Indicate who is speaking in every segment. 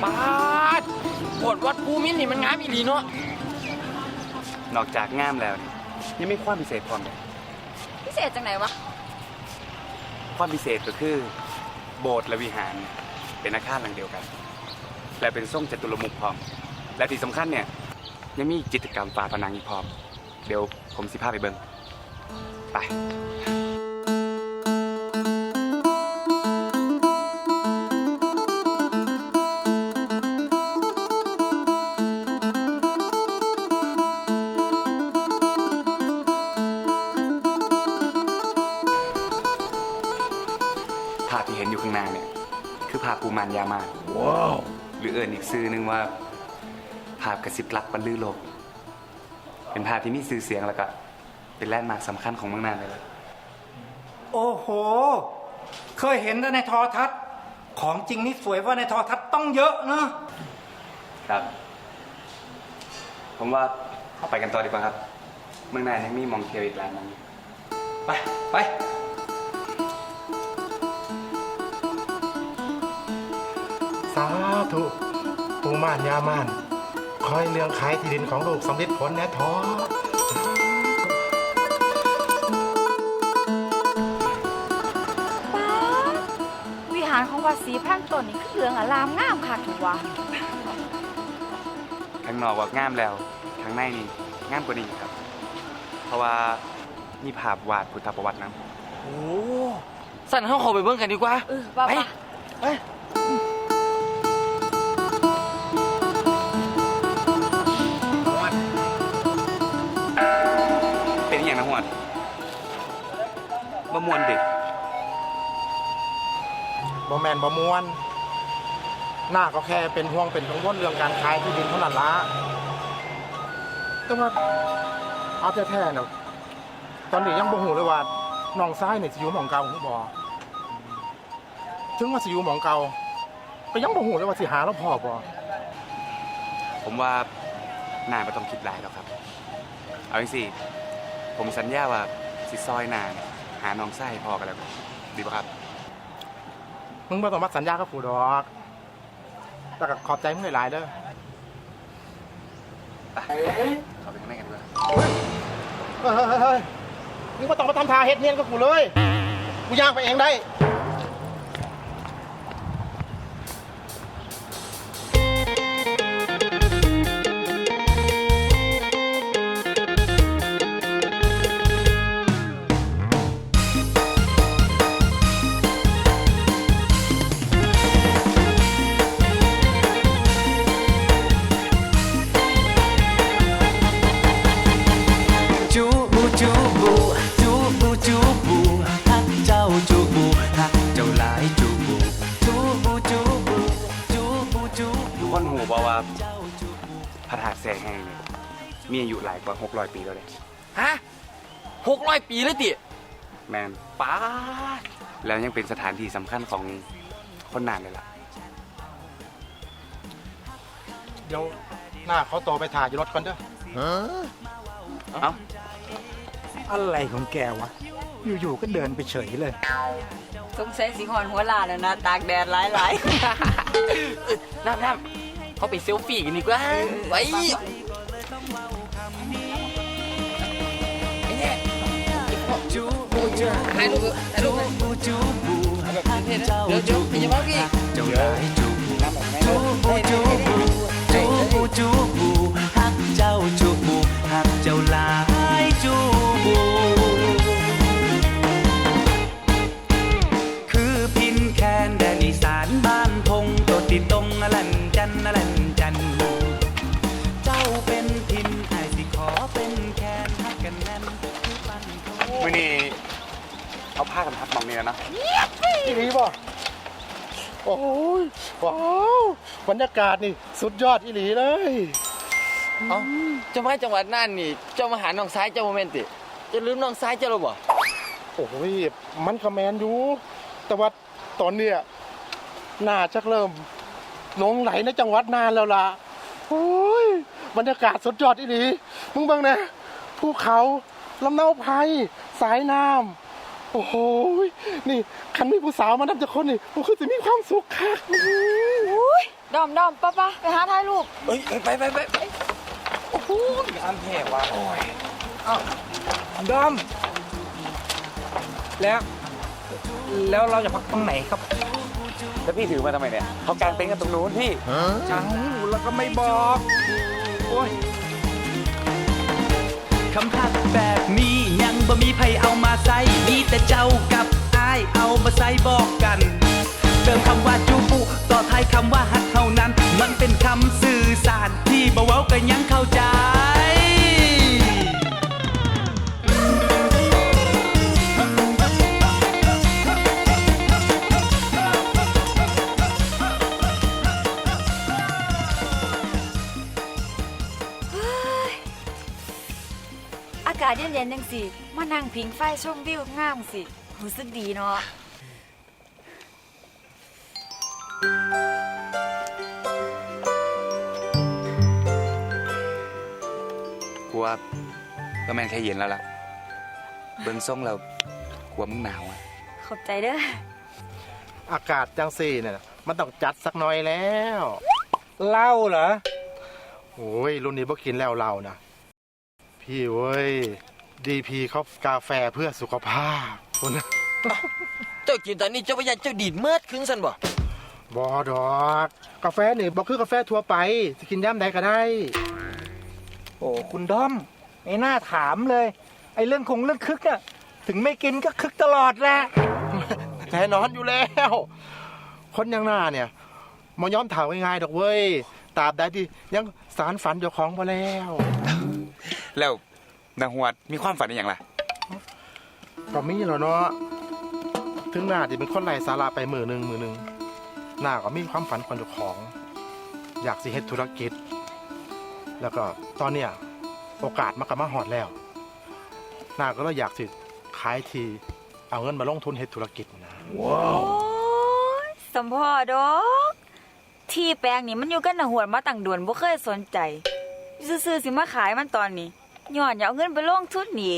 Speaker 1: ปาดโบสถ์วัดภูมินนี่มันงามอีหลีเนาะ
Speaker 2: นอกจากงามแล้วยังมีความพิเศษพร้อมเลย
Speaker 3: พิเศษจังไหนวะ
Speaker 2: ความพิเศษก็คือโบสถ์และวิหารเป็นอาคารหลังเดียวกันและเป็นทรงจตุรมุขพร้อมและที่สำคัญเนี่ยยังมีจิตรกรรมฝาผนังอีกพร้อมเดี๋ยวผมสิพาไปเบิ่งไปภาพที่เห็นอยู่ข้างหน้าเนี่ยคือภาพปูมานยามาว้าวหรือเอื่นอีกชื่อนึงว่าภาพกระซิบรักบรรลือโลกเป็นภาพที่มีชื่อเสียงแล้วก็เป็นแลนด์มาร์คสำคัญของเมืองน่านเลยล่ะ
Speaker 4: โอ้โหเคยเห็นแต่ในโทรทัศน์ของจริงนี่สวยกว่าในโทรทัศน์ต้องเยอะเนอะ
Speaker 2: ครับผมว่าไปกันต่อดีกว่าครับเมืองน่านยังมีมองเที่ยวอีกหลายมอง
Speaker 4: ไปไป
Speaker 5: สาธุปูม่านยาม่านคอยเรื่องขายที่ดินของลูกสำลิดผลแน่ท้อ
Speaker 3: ป้าวิหารของวัดศรีพันต้นนี่คือเรื่องอลามงามค่ะถูกวะ
Speaker 2: ข้างนอกว่างามแล้วข้างในนี่งามกว่านี้ครับเพราะว่ามีภาพวาดพุทธประวัตินะ
Speaker 1: โอ้สั่นเขาขอไปเบิ่งกันดีกว่า
Speaker 3: ว่า
Speaker 1: ไป
Speaker 2: เป็นอย่างนะหวดบะมวนเด็ก
Speaker 5: บ่แมนบ่มวนหน้าก็แค่เป็นห่วงเป็นกังวลเรื่องการขายที่ดินเท่านั้นละแต่ว่าเอาแท้ๆเนาะตอนนี้ยังบ่ฮู้เลยว่าน้องซ้ายนี่สิอยู่หม่องเก่าหรือบ่ถึงว่าสิอยู่หม่องเก่าก็ยังบ่ฮู้เลยว่าสิหาแล้วพอบ่
Speaker 2: ผมว่าน่าไม่ต้องคิดหลายหรอกครับเอาสิผมสัญญาว่าสิซอยนานหาน้องไส้พอกันแล้วดีป่ะครับ
Speaker 5: มึงบ่ต้องมาสัญญากับกูดอกแต่ก็ขอบใจมึงหลายๆเด้อ
Speaker 2: ไปเข้าไปข้างในกันด้วย
Speaker 5: เฮ้ยมึงบ่ต้องมาทำท่าเฮ็ดเนียนกับกูเลยกูย่างไปเองได้
Speaker 2: คนหูบอกว่าพระธาตุแสงแห้งเนี่ยมีอายุหลายกว่า600 ปีแล้วเลย
Speaker 1: ฮะ600 ปีเลยติ
Speaker 2: แมน
Speaker 1: ป้า
Speaker 2: แล้วยังเป็นสถานที่สำคัญของคนน่านเลยล่ะ
Speaker 5: เดี๋ยวหน้าเขาโตไปถ่ายรถก่อนเด้อ
Speaker 2: เอ้า
Speaker 4: อะไรของแกวะอยู่ๆก็เดินไปเฉยเลย
Speaker 3: สงสัยสิหอนหัวลาแล้วนะตากแดดหลาย
Speaker 1: ๆน้ำเขาไปเซลฟี่กันดีกว่าไว้ถ่ายรูปเดี๋ยวอย่ามาพี่
Speaker 2: เจ้าได้จูบูจูบูฮักเจ้าจูบูฮักเจ้าลายจูบูคือพินแคนแดนอีสานบ้านพงโตติตรงอลันจันเจ้าเป็นพินไอสิขอเป็นแคนฮักกันแน่นคือปันมื้อนี้เอาผ้ากันทับมองนี่แล้วนะ
Speaker 5: อีหลีบ่โอ้ยว้าวบรรยากาศนี่สุดยอดอีหลีเลย
Speaker 1: เอ้าเจ้ามาจังหวัดน่านนี่เจ้ามาหาน้องซ้ายเจ้าโมเมนติจะลืมน้องซ้ายเจ้าหรือบ่
Speaker 5: โอ้ยมันก็แมนอยู่แต่ว่าตอนเนี้ยน่าจะเริ่มหลงไหลในจังหวัดน่านแล้วล่ะโอ้ยบรรยากาศสุดยอดอีหลีมึงเบิ่งนะภูเขาลำเนาไพรสายน้ำโอ้โหนี่คันมีผู้สาวมานับจะคนนี่ผมคือจะมีความสุขค่ะ
Speaker 3: อุ้ยดอมป้าไปหาถ่ายรูป
Speaker 1: เอ้ยไปโอ้โหอันแท้ว่ะโอ้ย
Speaker 4: ดอม แล้วเราจะพักตรงไหนครับ
Speaker 2: แล้วพี่ถือมาทำไมเนี่ยเขากางเต็นท์กันตรงนู้นพี่
Speaker 4: เอ้าแล้วก็ไม่บอก โอ้ย
Speaker 6: คำทักแบบนี้ยังบ่มีไผเอามาใส่มีแต่เจ้ากับอ้ายเอามาใส่บอกกันเติมคำว่าจูบุต่อท้ายคำว่าฮักเท่านั้นมันเป็นคำสื่อสารที่บ่เว้ากันยังเข้าใจ
Speaker 3: อากาศเย็นๆจังสิมานั่งพิงไฟชมวิวงามสิรู้สึกดีเนาะ
Speaker 2: กูว่าก็แม่นแค่เย็นแล้วล่ะเบิ่งส่งแล้วกลัวมึงหนาวอ่ะ
Speaker 3: ขอบใจเด้อ
Speaker 5: อากาศจังสี่เนี่ยมันต้องจัดสักหน่อยแล้ว
Speaker 4: เหล้าเหรอ
Speaker 5: โอ้ยรุ่นนี้บ่กินแล้วเรานะพี่เว้ยดีพีเขากาแฟเพื่อสุขภาพคุณนะ
Speaker 1: เจ้ากินตอนนี้เจ้าพยาเจ้าดีดเมื่อคืนสันบ่
Speaker 5: บอดอกกาแฟนี่บอกคือกาแฟทั่วไปจะกินย่ำใดก็ได้
Speaker 4: โอ้คุณดอมไม่น่าถามเลย ไอ้เรื่องคึกอะถึงไม่กินก็คึกตลอดแหละ
Speaker 5: แน่นอนอยู่แล้ว คนอยังหน้าเนี่ยมายอมถามง่ายๆดอกเว้ยตราบใดที่ยังสารฝันเจ้าของมาแล้ว
Speaker 2: แล้วนางหวดมีความฝันอย่างไร
Speaker 5: ก็มีแล้วเนาะถึงหน้าที่เป็นคนไร้สาระไปมือหนึ่งหน้าก็มีความฝันคนเจ้าของ อยากสิเฮ็ดธุรกิจ แล้วก็ตอนเนี้ยโอกาสมันก็มาฮอดแล้วหน้าก็เลยอยากสิขายทีเอาเงินมาลงทุนเฮ็ดธุรกิจนะ
Speaker 3: โอ้ยสมพอดอกที่แปลงนี่มันอยู่กันหน้าหวดมาตั้งด่วนบ่เคยสนใจซื่อๆสิมาขายมันตอนนี้ย้อนอย่าเอาเงินไปลงทุนนี่เอง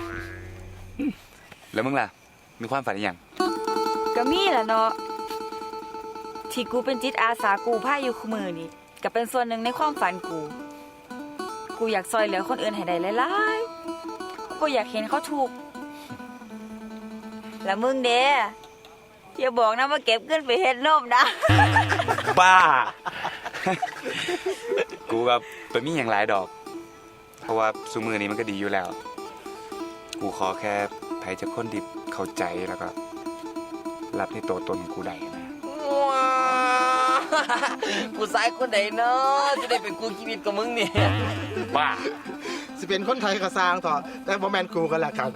Speaker 2: แล้วมึงล่ะมีความฝันอย่าง
Speaker 3: ก็มีแหละเนาะที่กูเป็นจิตอาสากูพาอยู่คุมือนี่ก็เป็นส่วนหนึ่งในความฝันกูอยากซอยเหลือคนอื่นให้ได้หลายๆกูอยากเห็นเขาถูกข์แล้วมึงเด้อย่าบอกนะว่าเก็บเงินไปเฮ็ดนมนะ
Speaker 2: บ้า กูกับตัวมีอย่างหลายดอก เพราะว่าซูมือนี้มันก็ดีอยู่แล้ว กูขอแค่ไผจะคนดิบเข้าใจแล้วก็ รับในตัวตนกูได้นะ
Speaker 1: ว้าผู้ชายคนใดเนาะจะได้เป็นกูชีวิตกับมึงเนี่ย
Speaker 2: บ้า
Speaker 5: สิเป็นคนไทยก็สร้างเถอะแต่บ่แม่นกูกันแหละครับ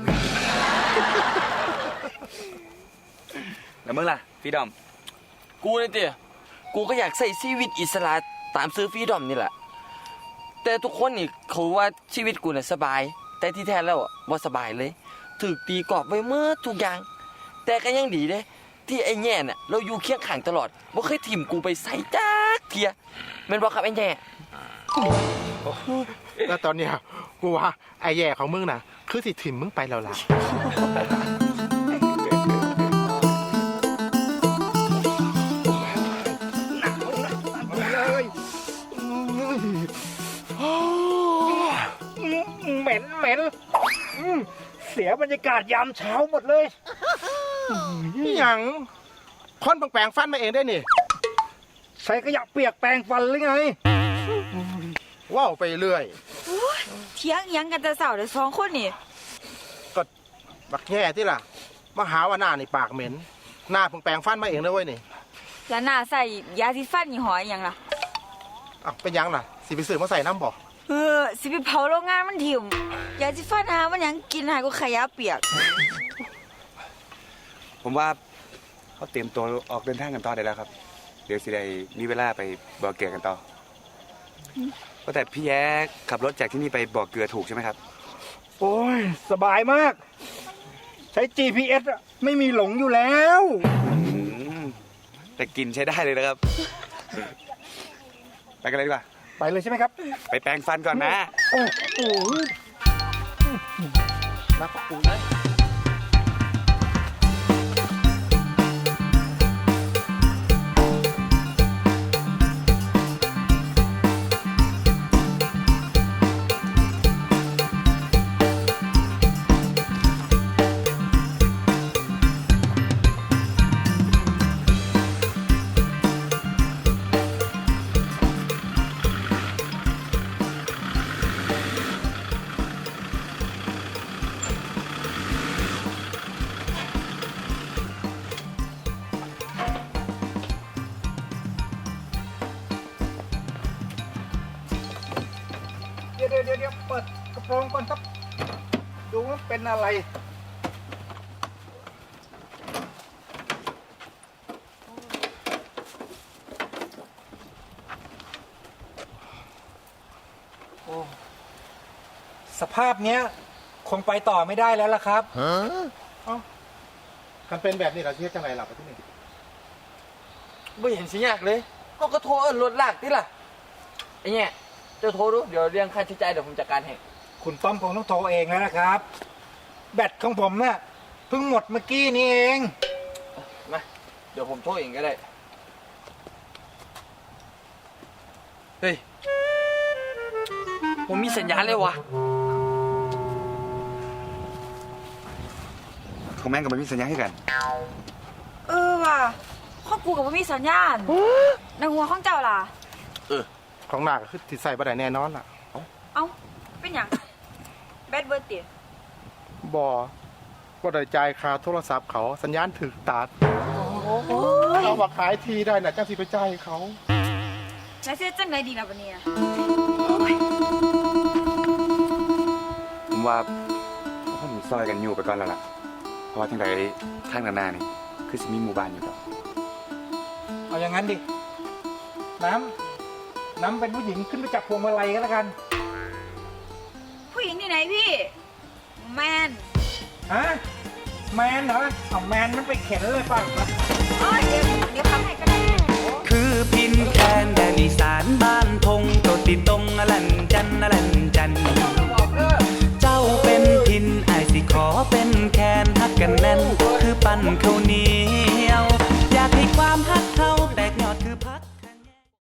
Speaker 2: แล้วมึงล่ะพี่ดอม
Speaker 1: กูเนี่ยเตี้ยกูก็อยากใส่ชีวิตอิสระตามซื้อฟรีดอมนี่แหละแต่ทุกคนนี่เขาว่าชีวิตกูเนี่ยสบาย แต่ที่แท้แล้วว่าสบายเลยถูกตีกรอบไว้เมื่อทุกอย่าง แต่ก็ยังดีเด้ที่ไอ้แง่เนี่ยเราอยู่เคียงข้างตลอดบ่เคยถิ่มกูไปใส่จักเทียแม่นบ่ครับไอ้แง่
Speaker 5: แล้วตอนเนี้ยกูว่าไอ้แย่ของมึงน่ะ คือสิถิ่มมึงไปแล้วล่ะ
Speaker 4: เหม็นเสียบรรยากาศยามเช้าหมดเลย
Speaker 5: นี่หยังคนแปลงฟันมาเองได้นี่
Speaker 4: ใช้ขยะเปียกแปรงฟันหรือไง
Speaker 5: ว้าวไปเรื่อย
Speaker 3: เถียงหยังกันแต่เสาเดี๋ยวสองคนนี่
Speaker 5: ก็บักแย่ที่ล่ะมาหาว่าหน้านี่ปากเหม็น หน้าเพิ่งแปลงฟันมาเองนะเว้ยนี่
Speaker 3: แล้วหน้าใส่ยาสีฟันยี่ห้อหยังล่ะ
Speaker 5: อ่ะเป็นหยังล่ะสิไปซื้อมาใส่น้ำบ่
Speaker 3: สิไปเผาโรงงานมันถิ่มยาสีฟันหามันหยังกินหาก็ขยะเปียก
Speaker 2: ผมว่าเขาเตรียมตัวออกเดินทางกันต่อได้แล้วครับ เดี๋ยวสิได้มีเวลาไปบ่อเกลือกันต่อว่าแต่พี่แย้ขับรถจากที่นี่ไปบ่อเกลือถูกใช่ไหมครับ
Speaker 4: โอ้ยสบายมาก ใช้ GPS อะไม่มีหลงอยู่แล้ว
Speaker 2: แต่กินใช้ได้เลยนะครับ ไปกันเลยดีกว่า
Speaker 4: ไปเลยใช่ไหมครับ
Speaker 2: ไปแปรงฟันก่อนนะ
Speaker 4: โอ้โห
Speaker 5: นักปู
Speaker 1: เ
Speaker 4: ลองก่อนครับ ดูว่าเป็นอะไร โอ้ สภาพเนี้ย คงไปต่อไม่ได้แล้วล่ะครับ
Speaker 5: กันเป็นแบบนี้เราเชื่อจังไรหลับไปที่นี่
Speaker 1: ไม่เห็นสิยากเลยเขาก็โทรเอิ้นรถลากติล่ะไอ้เนี่ยเจ้าโทรดูเดี๋ยวเรื่องค่าใช้จ่ายเดี๋ยวผมจัดการให้
Speaker 4: คุณต้อมคงต้องโทรเองแล้วนะครับ แบตของผมเนี่ยเพิ่งหมดเมื่อกี้นี้เอง
Speaker 1: มาเดี๋ยวผมโทรเองก็ได้เฮ้ยผมมีสัญญาณเลยวะ
Speaker 2: ของแม่งกับมันมีสัญญาให้กัน
Speaker 3: เออว่ะข้อกูกับว่ามีสัญญาณในหัวของเจ้าล่ะ
Speaker 5: ของหน้าก็คือติดใส่บ่ได้แน่นอนล่ะ
Speaker 3: เอ้า เป็นหยังแบดเบิร์ดติ
Speaker 5: บ่ได้จ่ายค่าโทรศัพท์เขาสัญญาณถึกตัดเขาว่าขายทีได้น่ะจ้าสิไปจ่ายเขา
Speaker 3: แล้วเสียจังไดดีล่ะบัดนี้
Speaker 2: ผมว่าผมซอยกันอยู่ไปก่อนแล้วล่ะ เพราะว่าทั้งใดทางหน้านี่คือสิมีหมู่บ้านอยู่ดอก
Speaker 4: เอาอย่างนั้นดิ น้ำเป็นผู้หญิงขึ้นไปจับพวงมาลัยก็แล้วกัน
Speaker 3: ผู้หญิงที่ไหนพี่ แมน
Speaker 4: ฮะ แมนเหรอเอาแมนมันไปเข็นเลยป่ะ
Speaker 3: เอ้ยเดี๋ยวทำให้ก็ได้
Speaker 6: คือพินแคนแดนอีสานบ้านทงโตติดตรงอลันจัน